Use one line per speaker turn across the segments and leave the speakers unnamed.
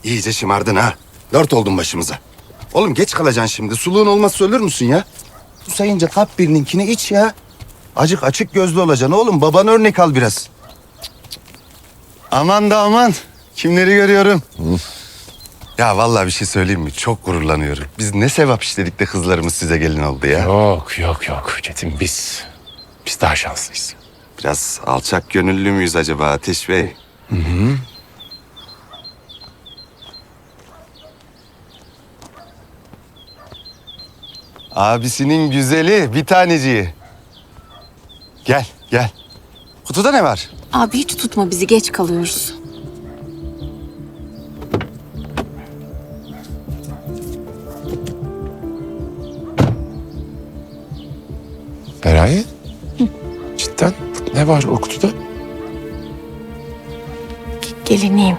İyice şımardın ha. Dört oldun başımıza. Oğlum geç kalacaksın şimdi. Suluğun olmazsa ölür müsün ya? Susayınca kap birininkini iç ya. Acık açık gözlü olacaksın oğlum. Baban örnek al biraz. Aman da aman. Kimleri görüyorum. Ya vallahi bir şey söyleyeyim mi? Çok gururlanıyorum. Biz ne sevap işledik de kızlarımız size gelin oldu ya.
Yok Çetin, biz daha şanslıyız.
Biraz alçak gönüllü müyüz acaba Ateş Bey? Abisinin güzeli, bir taneciği. Gel, gel. Kutuda ne var?
Abi hiç tutma bizi, geç kalıyoruz.
Feraye? Cidden ne var o kutuda?
Gelineyim.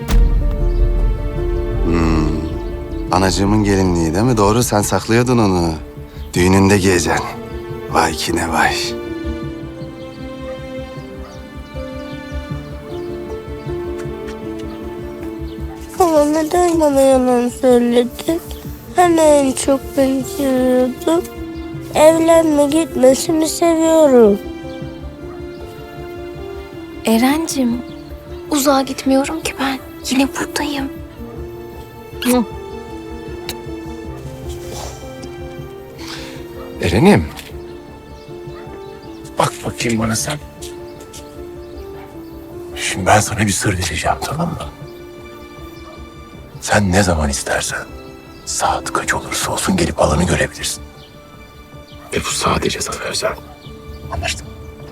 Anacığımın gelinliği değil mi? Doğru, sen saklıyordun onu. Düğününde giyeceksin. Vay ki ne vay.
Ama neden bana yalan söyledin? Hani en çok beni seviyordun? Evlenme, gitmesini seviyorum.
Erencim, uzağa gitmiyorum ki ben. Yine buradayım.
Eren'im. Bak bakayım bana sen. Şimdi ben sana bir sır vereceğim, tamam mı? Sen ne zaman istersen, saat kaç olursa olsun gelip alanı görebilirsin. Ve bu sadece sana özel. Anlaştık.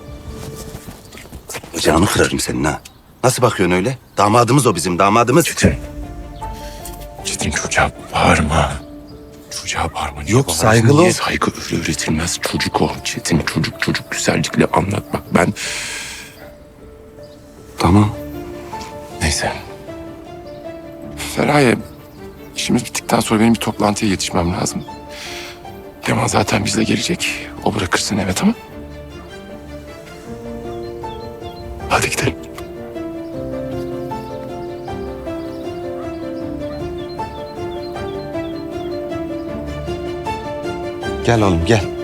Bacağını kırarım senin ha. Nasıl bakıyorsun öyle? Damadımız o, bizim damadımız.
Çetin çocuğa bağırma. Çocuğa bağırma. Niye
Yok,
bağırsın?
saygılı
Niye
ol.
saygı öyle öğretilmez? Çocuk o. Çetin çocuk güzellikle anlatmak. Ben
Tamam.
neyse. Feraye, işimiz bittikten sonra benim bir toplantıya yetişmem lazım. Leman zaten bizle gelecek. O bırakırsın eve, tamam? Hadi gidelim.
Gel oğlum gel.